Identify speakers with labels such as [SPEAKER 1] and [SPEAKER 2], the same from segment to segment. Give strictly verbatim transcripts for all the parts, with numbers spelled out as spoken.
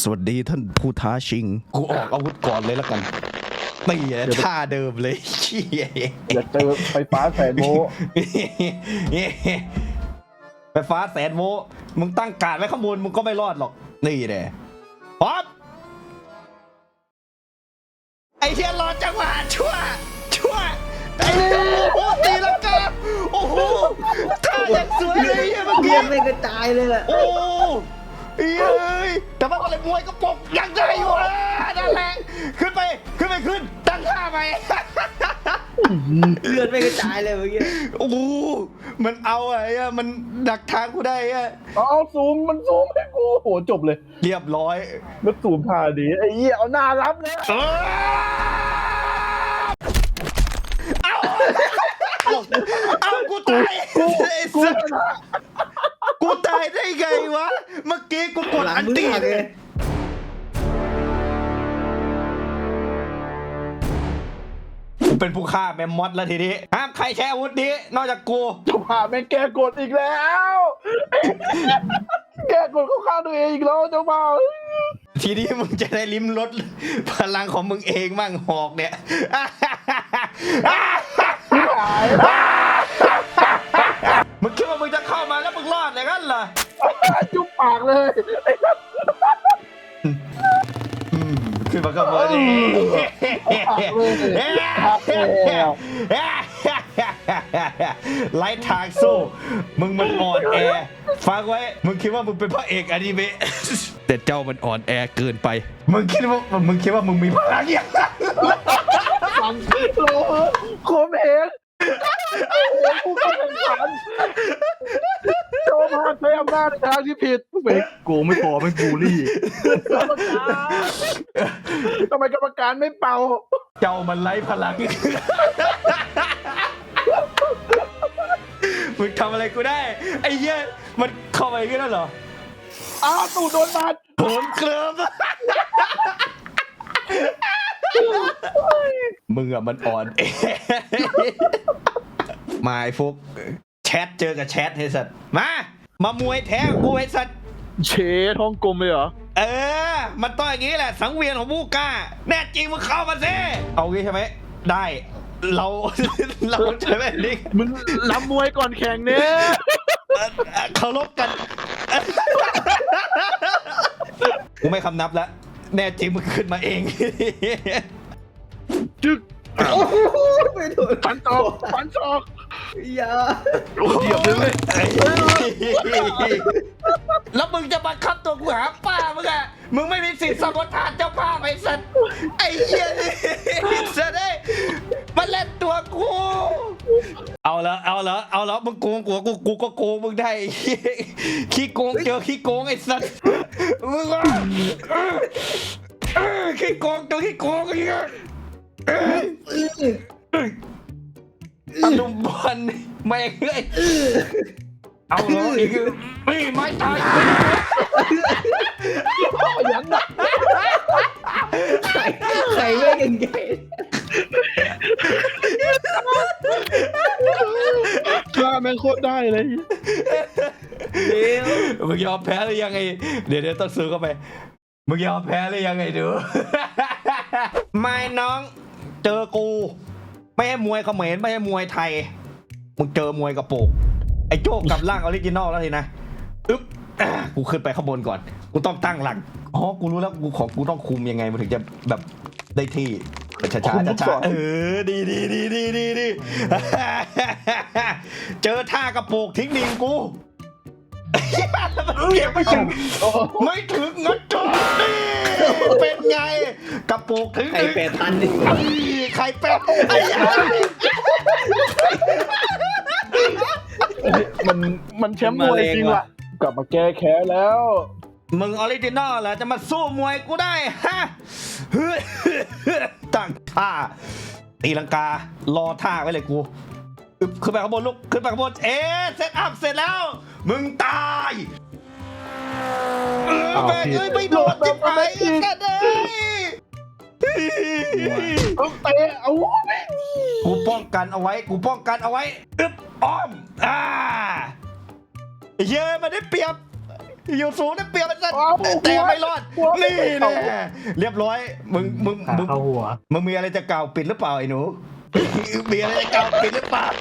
[SPEAKER 1] สวัสดีท่านผู้ท้าชิงกูออกอาวุธก่อนเลยแล้วกันตีท่าเดิมเลย
[SPEAKER 2] อย่าเจอไฟฟ้าแสนโวลต์
[SPEAKER 1] ไฟฟ้าแสนโวลต์มึงตั้งการไว้ข้างบนมึงก็ไม่รอดหรอกนี่แหละป๊อปไอ้เชี่ยรอจังหวะชั่วชั่วไอ้โอ้ตีแล้วกันโอ้โหท่าอย่างสวยเลยเมื่อกี้
[SPEAKER 3] ไม่กระจายเลยแหละ
[SPEAKER 1] โอ้เอ้ยแต่ว่าอะไรมวยก็ปกยังได้อยู่อ่ะนั่นแหละขึ้นไปขึ้นไปขึ้นตั้งท่าไป
[SPEAKER 3] เลือดไม่กระจายเลยเมื่อกี้
[SPEAKER 1] โอ้มันเอาไอ้อะมันดักทางกูได้อะ
[SPEAKER 2] เอาซูมมันซูมให้กูโหจบเลย
[SPEAKER 1] เรียบร้อย
[SPEAKER 2] แล้วซูมท่าดีไอ้เหี้ยเอาหน้ารับเลย
[SPEAKER 1] เอาเอากูตายกูกูตายได้ไงวะเมื่อกี้กูกดอันตีเลยกูเป็นผู้ฆ่าแมมมอสแล้วทีนี้ห้ามใครใช้อาวุธนี้นอกจากกู
[SPEAKER 2] จะพาแม่แกกดอีกแล้วแกกดเข้าข้างตัวเองอีกแล้วเจ้าบ่าว
[SPEAKER 1] ทีนี้มึงจะได้ลิ้มรสพลังของมึงเองมั่งหอกเนี่ยมึงคิดว่ามึงจะเข้ามาแล้วมึงรอดเลยกันเหรอ
[SPEAKER 2] จุ๊บปากเลย
[SPEAKER 1] ขึ้นมาก็มาดิไล่ทางสู้มึงมันอ่อนแอฟังไว้มึงคิดว่ามึงเป็นพระเอกอนิเมะแต่เจ้ามันอ่อนแอเกินไปมึงคิดว่ามึงคิดว่ามึงมีพลังอย่างนั้น
[SPEAKER 2] ฟังโลโคมเองกูก็แข่งขันโจมาใช้อำนาจในทางที่ผิดเบกโกไม่พอไม่บูลลี่กรรมการทำไมกรรมการไม่เป่า
[SPEAKER 1] เจ้ามันไร้พลังมึงทำอะไรกูได้ไอ้เหี้ยมันเข้าไปกันแล้วเหรอ
[SPEAKER 2] อ้าวตู่โดนบาด
[SPEAKER 1] ผมเคลิ้มมึงอะมันอ่อนมาไอ้ฟุกแชทเจอกับแชทไอ้สัตว์มามามวยแท้กูไอ้สัตว์
[SPEAKER 2] เชทฮ่องกงเลยเหรอ
[SPEAKER 1] เออมันต้องอย่างนี้แหละสังเวียนของผู้กล้าแน่จริงมึงเข้ามาสิเอางี้ใช่ไหมได้เราเราใช่ไหมนี่
[SPEAKER 2] มึงล้ำมวยก่อนแข่งเนี่ย
[SPEAKER 1] เคารพกันกูไม่คำนับแล้วแน่จริงมึงขึ้นมาเอง
[SPEAKER 2] จึ๊ก
[SPEAKER 3] โอ้โหไม่ถูก
[SPEAKER 2] ฟันตอกฟันตอก
[SPEAKER 3] อย่า
[SPEAKER 2] เดี๋ยวเลย
[SPEAKER 1] แล้วมึงจะบังคับตัวกูหาป้ามึงอะมึงไม่มีสิทธิ์สัมปทานเจ้าป้าไปสัตว์ไอ้เหี้ยนี่สัตว์ได้มาเล่นตัวกูเอาละเอาละเอาละมึงโกงกูกูกูก็โกงมึงได้ขี้โกงเจอขี้โกงไอ้สัตว์มึงขี้โกงตัวขี้โกงไอ้เงี้ยตะลุมบอลไม่เอ้ยเอาเหรออีกไม่ไม่ตาย
[SPEAKER 2] อย่างนั้น
[SPEAKER 3] ใครไม่กันไง
[SPEAKER 2] ข้าแม่งโคตรได้เลย
[SPEAKER 1] เดี๋ยวมึงยอมแพ้หรือยังไงเดี๋ยวเดี๋ยวต้องซื้อเข้าไปมึงยอมแพ้หรือยังไงดูไม่น้องเจอกูไม่ให้มวยเขมรไม่ให้มวยไทยมึงเจอมวยกระโปงไอ้โจ้กับร่างออริจินอลแล้วทีนะอึ๊บกูขึ้นไปข้างบนก่อนกูต้องตั้งหลักอ๋อกูรู้แล้วกูของกูต้องคุมยังไงมันถึงจะแบบได้ที่ช้าช้าช้าเออดีดีดีดีดีดีเจอท่ากระโปงทิ้งดิ่งกูเก็บไม่ถึงไม่ถึงงั้นจบนี่เป็นไงกระโปงถึง
[SPEAKER 3] ไข่เป็ดพันดิ
[SPEAKER 1] ไข่เป็ดไอ้ยัย
[SPEAKER 2] มันมันแชมป์มวยจริงว่ะกลับมาแก้แค้นแล้ว
[SPEAKER 1] มึงออริจินอลเหรอจะมาสู้มวยกูได้ฮะตั้งท่าตีลังการอท่าไว้เลยกูขึ้นไปข้างบนลูกขึ้นไปข้างบนเอ๊ะเซตอัพเสร็จแล้วมึงตายแม่เอ้ยไม่โดนที่ไหนกันเลย
[SPEAKER 2] เอาเตะเอา
[SPEAKER 1] กูป้องกันเอาไว้กูป้องกันเอาไว้อึ๊บอ้อมอ่าเยอะมาได้เปรียบอยู่สูงได้เปรียบมันสัตว์แต่ไม่รอดนี่แน่เรียบร้อยมึงมึง
[SPEAKER 2] ขา
[SPEAKER 1] มึง
[SPEAKER 2] เข้าหัว
[SPEAKER 1] มึงมีอะไรจะกล่าวปิดหรือเปล่าไอ้หนู มีอะไรจะกล่าวปิดหรือเปล่า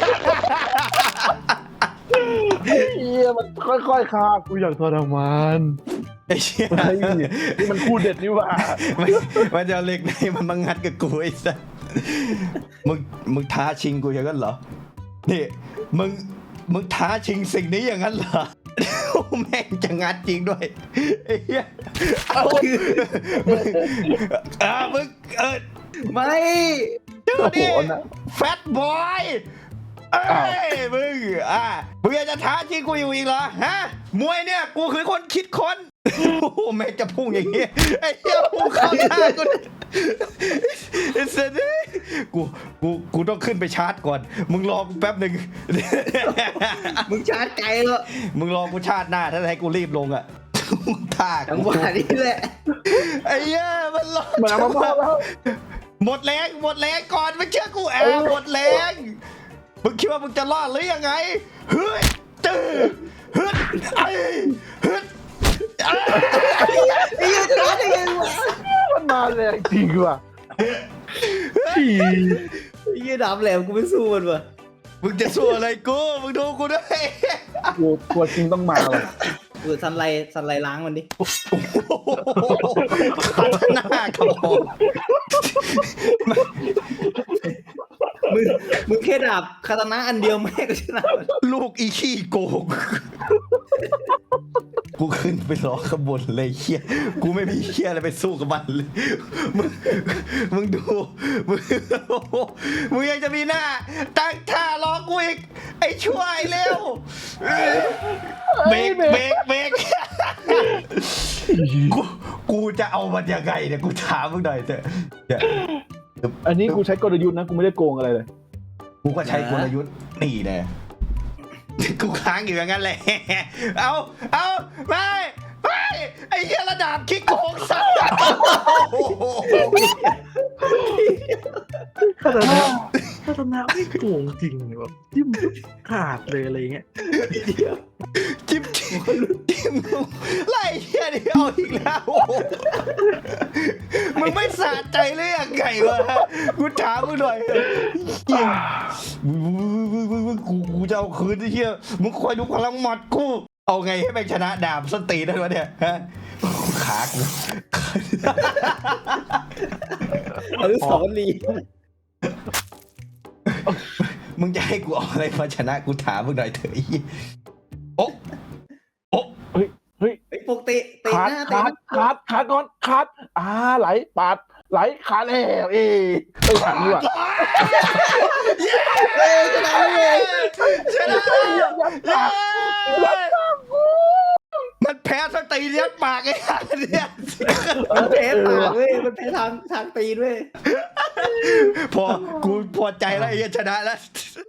[SPEAKER 2] เฮียมันค่อยๆฆ่ากูอย่างทรมาน
[SPEAKER 1] ไอ้เชี่ย
[SPEAKER 2] เฮ้ยนี่มันคู่เด็ดนี่หว่า
[SPEAKER 1] มันมันจะเอาเหล็กในมันมางัดกับกูไอ้สัสมึงมึงท้าชิงกูอย่างนั้นเหรอนี่มึงมึงท้าชิงสิ่งนี้อย่างนั้นเหรอ แม่งจะงัดจริงด้วยไอ้เหี้ยเอามึงอ่ามึงเออ
[SPEAKER 3] ไม่
[SPEAKER 1] ชื่อ
[SPEAKER 2] โอ้โห
[SPEAKER 1] นี่
[SPEAKER 2] นะ
[SPEAKER 1] แฟตบอยเอ้ยมึงอ่ะมึงอยากจะท้าชิงกูอยู่อีกเหรอฮะมวยเนี่ยกูคือคนคิดค้นโอ้โหแม่งจะพุ่งอย่างเงี้ยไอ้เหี้ยพุ่งเข้าหน้ากูไอ้เสยดิกูกูกูต้องขึ้นไปชาร์จก่อนมึงรอกูแป๊บหนึ่ง
[SPEAKER 3] มึงชาร์จไกลแล้ว
[SPEAKER 1] มึงรอกูชาร์จหน้าถ้าให้กูรีบลงอ่ะท่า
[SPEAKER 3] จัง
[SPEAKER 1] กู
[SPEAKER 3] หวะนี้แหละ
[SPEAKER 1] ไอ้เหี้ยมันรอ
[SPEAKER 2] เหมือนเอามามอบแล้ว
[SPEAKER 1] หมดแรงหมดแรงก่อนไม่เชื่อกูแอบหมดแรงมึงคิดว่ามึงจะรอดหรือยังไงเฮ้ยตื้อฮึดไอ้ฮึดไอ้
[SPEAKER 3] ไอ้ยังชาร์จได้ไงวะ
[SPEAKER 2] มันมาแรงจริงว่ะฉี่
[SPEAKER 3] ไอ้ยังดาบแหลมกูไม่สู้มันวะ
[SPEAKER 1] มึงจะสู้อะไรกูมึงดูกูด้วย
[SPEAKER 2] กูตัวจริงต้องมาว่ะ
[SPEAKER 3] เออสันไลสันไลล้างมันดิ
[SPEAKER 1] ขัดหน้าครับผม
[SPEAKER 3] มึงมึงแค่ดาบคาตานะอันเดียวแม่ก็ชนะมัน
[SPEAKER 1] ลูกอีขี้โกงกูขึ้นไปรอขบวนเลยเฮียกูไม่มีเฮียอะไรไปสู้กับมันเลยมึงมึงดูมึงมึงยังจะมีหน้าตั้งท่ารอกูอีกไอ้ช่วยเร็วเบรกเบรกเบรกกูกูจะเอามันยังไงเนี่ยกูถามมึงหน่อยเถอะเนี่ย
[SPEAKER 2] อันนี้กูใช้กลยุทธ์นะกูไม่ได้โกงอะไรเลย
[SPEAKER 1] กูก็ใช้กลยุทธ์นี่แน่กูค้างอยู่อย่างนั้นแหละเอาเอาไม่ไม่ไอ้เหี้ยระดับคิกโกงสัตว์
[SPEAKER 2] ถ้าตนะถ้าตนะไม่โกงจริงแบบจิ้มขาดเลยอะไรเงี้ย
[SPEAKER 1] จิ้มจิ้มจิ้มไล่เหี้ยนี่เอาอีกแล้วมึงไม่สะใจเลยยังไงวะกูถามมึงหน่อยเหี้ยมึงมึงมึงมึงกูกูจะเอาคืนไอ้เหี้ยมึงคอยดูพลังหมัดกูเอาไงให้แม่งชนะดาบสนตีได้วะเนี่ยฮะขากู
[SPEAKER 3] อนุสาวรีย์
[SPEAKER 1] มึงจะให้กูเอาอะไรมาชนะกูถามมึงหน่อยเถอะไอ้เหี้ยโอ๊ะโอ๊ะ
[SPEAKER 2] เฮ้ยเฮ้ย
[SPEAKER 3] ไอ้พวกเตะเตะ
[SPEAKER 2] ขาด
[SPEAKER 3] หน้าเตะ
[SPEAKER 2] ขาดขาดขาดก่อนขาดอ่าไหลปาดไหลขาดแล้วเอ้ยเอ้ยขาดนี่ว่ะ
[SPEAKER 3] เอ้ยชนะเลย
[SPEAKER 1] ชนะมันแพ้สตีเลี้ยงปากไอ้ห่าเนี่ย
[SPEAKER 3] มันแพ้ปากเว้ยมันแพ้ทางทางตีนเว้ย
[SPEAKER 1] พอกูพอใจแล้วไอ้เหี้ยชนะแล้ว